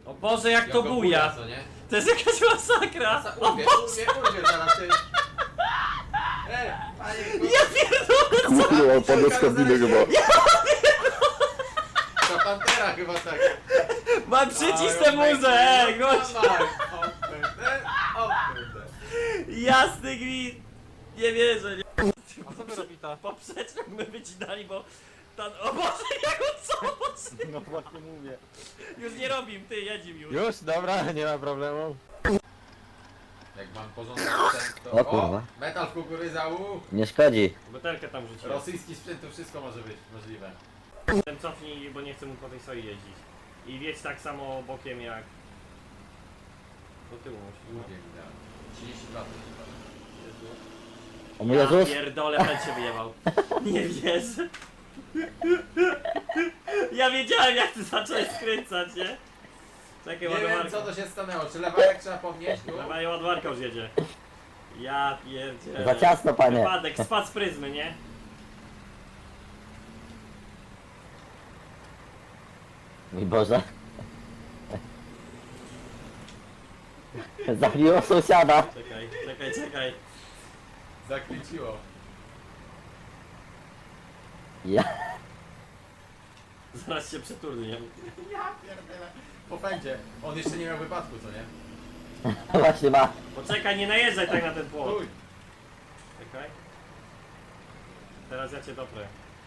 O Boże, jak to go buja! co nie? To jest jakaś masakra! Urwie zaraz ty. Panie, Ja pierdolę! Kurwa, on padł z kabiny chyba. To Pantera chyba tak. Mam przycisnę muzę, gość! Jasny gwint! Nie wierzę, nie. A co wy robicie? Poprzeczkę my wycinali, bo... O Boże, jak on co? No właśnie mówię. Już nie robim, ty, jedzim już. Już, dobra, nie ma problemu. Jak mam porządek sprzęt, to... O kurwa. Metal w kukurydza, Nie szkodzi. Butelkę tam rzuciłem. rosyjski sprzęt, to wszystko może być możliwe. Ten cofnij, bo nie chcę mu po tej soi jeździć. I wiedź tak samo bokiem jak... Do tyłu musisz, no. Mówię mi dałem. 32 to chyba. O mój Jezus. Pierdolę, pęd się wyjebał. Nie wierzę. Ja wiedziałem, jak ty zacząłeś skręcać, nie? Czekaj, Nie wiem ładowarka. co to się stanęło, czy lewarek trzeba podnieść tu? Dawaj, ładowarka już jedzie. Ja pierdzielę. Za ciasno, panie. Wypadek, spadł z pryzmy, nie? Mój Boże. Zabiło sąsiada. Czekaj. Zakręciło. Ja. Zaraz się przeturnie. Ja pierdolę. Po pędzie. On jeszcze nie miał wypadku, co nie? Właśnie ma. Poczekaj, nie najeżdżaj tak na ten płot. Uj. Czekaj. Teraz ja cię doprę.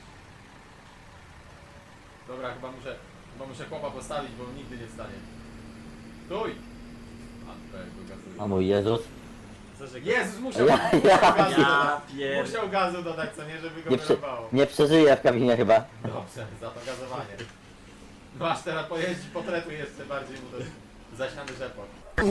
Dobra, chyba muszę chłopa postawić, bo nigdy nie wstanie. Stój! A, to jak go gazuje. O mój Jezus. Jezus, musiał Ja gazu Ja dodać. pier... Musiał gazu dodać, co nie, żeby go Nie, wyrobało. nie przeżyje w kabinie chyba. Dobrze, za to gazowanie. Masz teraz pojeździć, potretuj jeszcze bardziej mu to zasiany rzepok.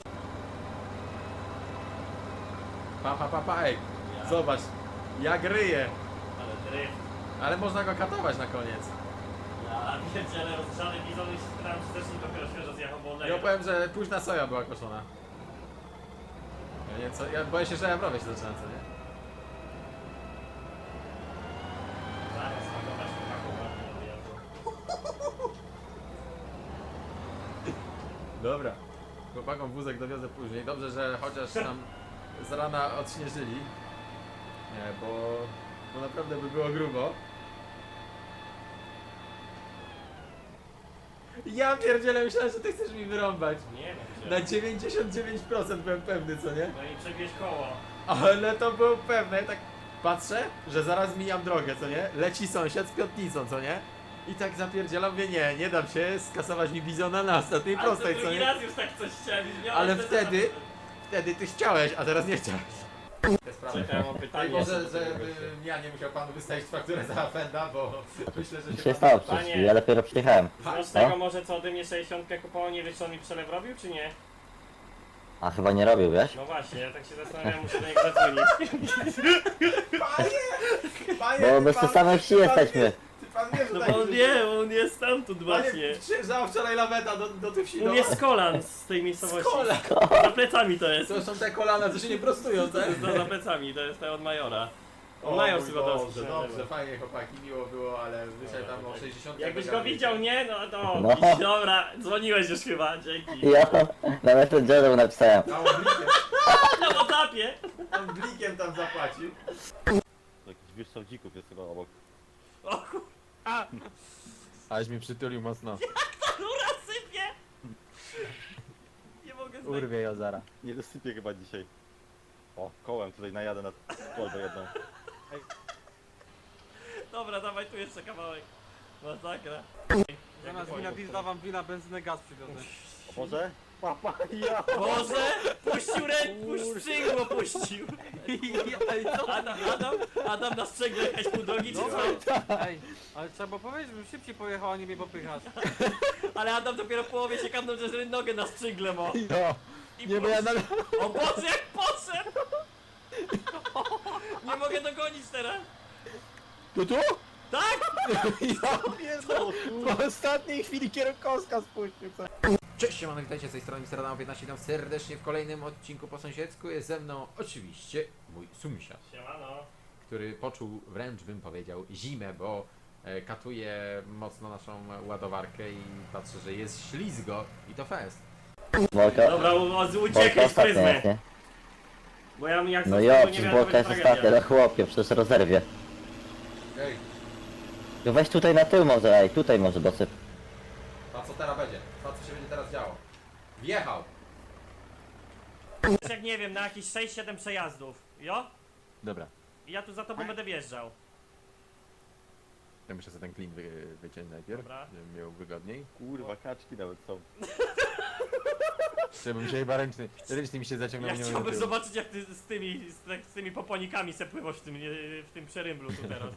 Pa, ej. Zobacz, jak ryje. Ale dryf. Ale można go katować na koniec. Ja pierdzielę, rozgrzany bizon i się spytałem, czy też nie dopiero świeżo zjechał, bo Ja oleje. powiem, że późna soja była koszona. Ja nie wiem co, ja boję się, że ja browie się zaczynam, co nie? Zaraz, pakować chłopaków ładnie do wyjazdu. Dobra. Chłopakom wózek dowiozę później. Dobrze, że chociaż nam z rana odśnieżyli. Nie, bo naprawdę by było grubo. Ja pierdzielę, myślałem, że ty chcesz mi wyrąbać. Nie no, Na gdzie? 99% byłem pewny, co nie? No i przebierz koło. Ale to było pewne. Ja tak patrzę, że zaraz mijam drogę, co nie? Leci sąsiad z piątnicą, co nie? I tak zapierdzielam, mówię, nie dam się skasować mi bizona na ostatniej Ale prostej, to co drugi nie? raz już tak coś chciałem. już miałem Ale wtedy wtedy ty chciałeś, a teraz nie chciałeś. Te sprawy. Czekaj, mam Daj pytanie. Boże, że ja nie musiał panu wystawić fakturę za Fenda, bo myślę, że Mi się się pan... stało Panie. przecież. Ja dopiero przyjechałem. Znasz tego może co ode mnie 60 kupował, nie wiesz co on mi przelew robił, czy nie? A chyba nie robił, wiesz? No właśnie, ja tak się zastanawiam, muszę do niego zadzwonić. Panie, Bo ty bez pan- tej samej wsi ty pan jesteśmy. wie- Ty pan wie, że No tak bo on wie, on jest stamtąd właśnie. Panie, przyjeżdżała wczoraj laweta do tych wsi. On jest z kolan z tej miejscowości. Kola. Za plecami to jest. To są te kolana, co się nie prostują, tak? Za plecami, to jest te od Majora. O On Major mój Sywotowski Boże, się dobrze, nazywa. fajnie chłopaki, miło było, ale wyszedł tam o 60. Jakbyś go widział, nie? No to, No. dobra, dzwoniłeś już chyba, dzięki. Ja na Messengerze napisałem. Tam Na WhatsAppie. blikiem tam zapłacił. Jakiś wyższą dzików jest chyba obok. O kur... Aś mi przytulił mocno. Rura sypie! Nie mogę znać. Urwie ją zara. Nie dosypię chyba dzisiaj. O, kołem tutaj najadę na kolbę jedną. Dobra, dawaj tu jeszcze kawałek. Masakra. Zamiast wina pizda wam wina, benzynę, gaz przywiozę. O Boże? Papa, ja! Boże! Puścił sprzęgło puścił! Adam na sprzęgle jechać pół drogi czy co? Ej, ale trzeba było powiedzieć, żebym szybciej pojechał, a nie mnie popychasz. Ale Adam dopiero w połowie się kapnął, że nogę na sprzęgle ma. No, I nie, bo ja na... O Boże, jak poszedł! Nie mogę dogonić teraz! Tu? Tak! Po ostatniej chwili kierunkowska spuścił. Cześć, siemano, witajcie z tej strony Mr. Adam 15, witam serdecznie w kolejnym odcinku po sąsiedzku. Jest ze mną oczywiście mój sąsiad, Siemano. który poczuł wręcz, bym powiedział, zimę, bo Katuje mocno naszą ładowarkę i patrzę, że jest ślizgo i to fest. Bolka, Dobra, Bolka uciekaj z ostatnia pryzmy. jest, nie? Bo ja jak No z jo, tego nie przecież wiem, to Bolka będzie jest ostatnia, tragedia. no chłopie, przecież rozerwie. Ej, No weź tutaj na tył może, ej, tutaj może dosyp. a co teraz będzie? Co się będzie teraz działo? Wjechał! Jak nie wiem, na jakieś 6-7 przejazdów. Jo? Dobra, I ja tu za tobą będę wjeżdżał. ja muszę sobie ten klin wyciąć najpierw, Dobra. żebym miał wygodniej. Kurwa, kaczki nawet są. Żebym się chyba ręczny mi się zaciągnął. Ja nie chciałbym mogę do tyłu. zobaczyć jak ty z tymi poponikami se pływasz w tym przerymblu tu teraz.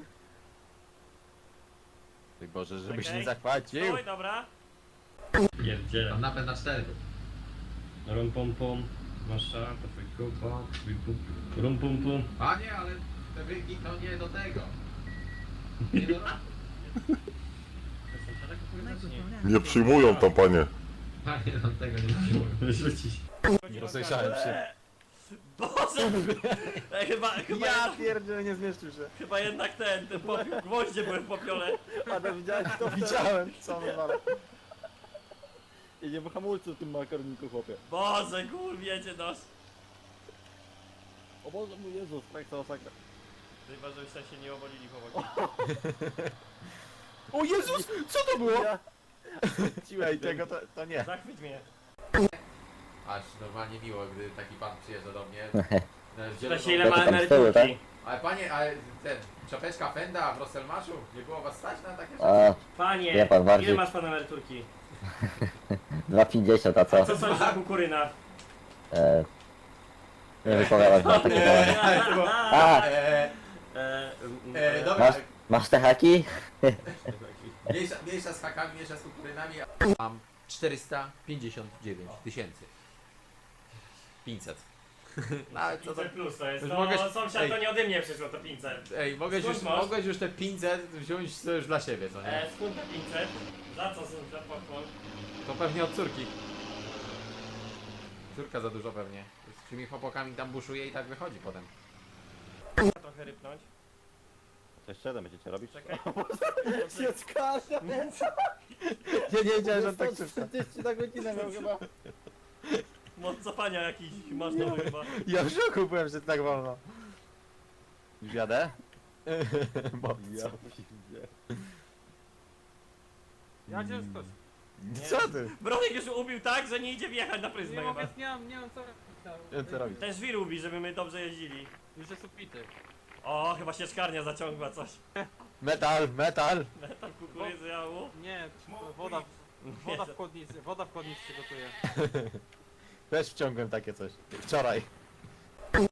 Ty Boże, żebyś Czekaj. nie zachwacił. Stój, dobra. Pierdziele. Tam napęd na 4. Rum pum pum. Masza, to twój kupa, twój kup. Rum pum pum. Panie, ale te wygi to nie do tego. Nie do... Nie przyjmują to, panie. Panie, do tego nie przyjmuję. Rzucić. Nie rozejrzałem się. Boże! Ej, chyba, Ja jednak, pierdzielę, nie zmieszczył się. chyba jednak ten popiół, gwoździe były w popiole. Adam, widziałeś to? Widziałem, co on wala. Jedzie po hamulcu w tym makaroniku, chłopie. Boże, gul, wiecie nos. O Boże, mój Jezus, tak to masakra. Chyba, żebyście się nie obolili chłopaki. O Jezus, co to było? Ciłej Tego to nie. Zachwyć mnie. Aż normalnie miło, gdy taki pan przyjeżdża do mnie. Pyta się ile To ma tam z tyłu, emeryturki. Ale panie, ale ten, czapeczka Fenda w Rosselmaszu, nie było was stać na takie rzeczy? A, Panie, Wie pan bardziej. ile masz pan emeryturki? 2,50, a co? Co sądzisz o kukurynach? E, nie wypowiadać na takie temat. A, Dobra, masz, masz te haki? mniejsza z hakami, mniejsza z kukurynami. Mam 459 tysięcy. 500. No, ale co to... 500 plus to jest, Już to mogę- sąsiad ej. to nie ode mnie przyszło, to 500. Ej, Skąd masz? mogłeś już te 500 wziąć sobie już dla siebie, co nie? Skąd te 500? Za co sąsiad pochwał? To pewnie od córki. Córka za dużo pewnie. Z tymi chłopakami tam buszuje i tak wychodzi potem. Trochę rypnąć. To jeszcze jeden będziecie robić? Czekaj. Się skarża. Ja nie wiedziałem, że tak 40 na godzinę miał chyba. Moc cofania jakiś masz nowy chyba. Ja w szoku byłem, że tak wolno. Już jadę? Bo... Ja piździe. Ja cię skoś. Co ty? Bronek już ubił tak, że nie idzie wjechać na Nie pryzmę mogę, chyba. nie mam co robić. Co robisz? Ten żwir ubi, żeby my dobrze jeździli. Już jest upity. O, chyba się szkarnia zaciągła coś. Metal, metal! Tam kukurydzy jału. Nie, to woda w chłodnicy się gotuje. Też wciągłem takie coś. Wczoraj.